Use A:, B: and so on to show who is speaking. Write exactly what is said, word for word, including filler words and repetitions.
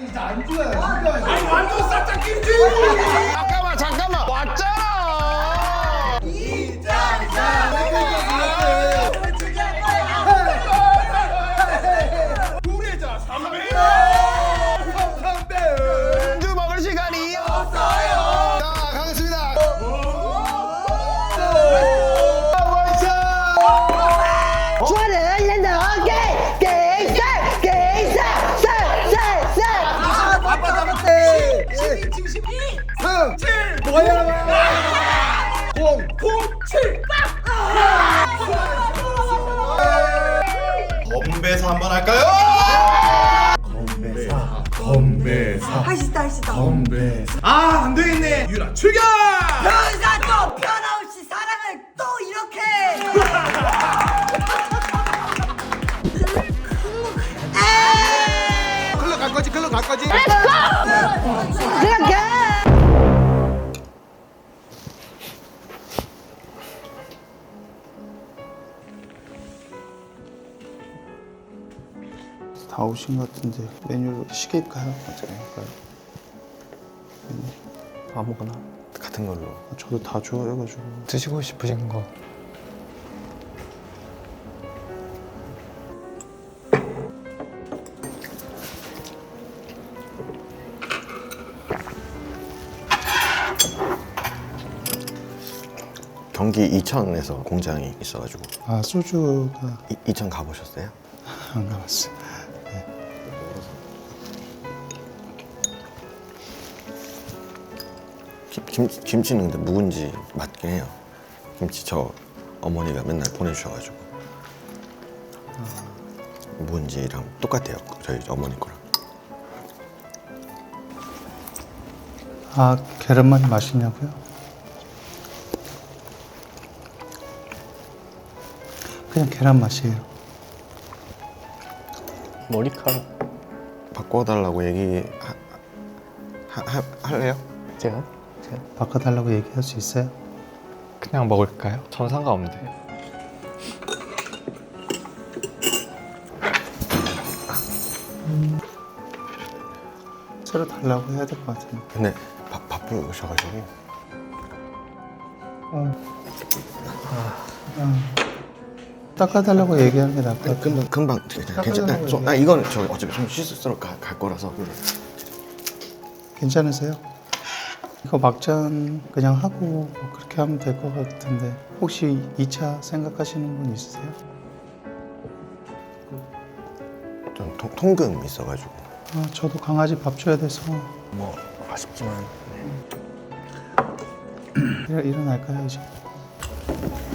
A: 진짜 안주야 진짜.
B: 아니 완전 싹짝 김치.
C: 잠깐만 잠깐만 왔잖아.
A: 이장사.
B: 우리자 삼배.
C: 안주 먹을 시간이 없어요. 자 가겠습니다.
D: 주말은 얼른 오케이 게임살 게임살 쌀쌀쌀
A: 아빠 잡았대.
B: 십이 칠 십이.
A: 삼.
B: 칠.
A: 뭐야? 공.
B: 구 칠.
C: 건배사 한번 할까요?
A: 건배사. 건배사.
D: 할 수 있다 할 수 있다
A: 건배사.
B: 아 안되겠네. 유라 출격.
D: 변사 또 변함없이 사랑을 또 이렇게
A: 글로 갈 거지 글로 갈 거지.
D: 그렇게
E: 다 오신 것 같은데 메뉴를 시킬까요? 어떻게 할까요?
F: 아무거나 같은 걸로
E: 저도 다 좋아해가지고.
F: 드시고 싶으신 거.
G: 경기 이천에서 공장이 있어가지고.
E: 아 소주가
G: 이, 이천 가보셨어요?
E: 안 가봤어.
G: 김, 김, 김치는 근데 묵은지 맞긴 해요. 김치 저 어머니가 맨날 보내주셔가지고 묵은지랑 똑같아요. 저희 어머니 거랑.
E: 아 계란말이 맛있냐고요? 그냥 계란 맛이에요.
F: 머리카락
G: 바꿔달라고 얘기 하, 하, 하, 할래요?
F: 제가 제가
E: 바꿔달라고 얘기할 수 있어요?
F: 그냥 먹을까요? 전 상관없는데.
E: 새로 달라고 해야 될 것 같은데.
G: 근데 바, 바쁘셔가지고.
E: 어. 아. 닦아달라고 얘기하는 게 나을 것 같아.
G: 금방 금방 괜찮아. 저, 아 이건 저 어차피 좀 씻으러 갈, 갈 거라서.
E: 괜찮으세요? 이거 막잔 그냥 하고 뭐 그렇게 하면 될 것 같은데 혹시 이 차 생각하시는 분 있으세요?
G: 좀 통, 통금 있어가지고.
E: 아, 저도 강아지 밥 줘야 돼서
F: 뭐 아쉽지만
E: 일, 일어날까요 이제?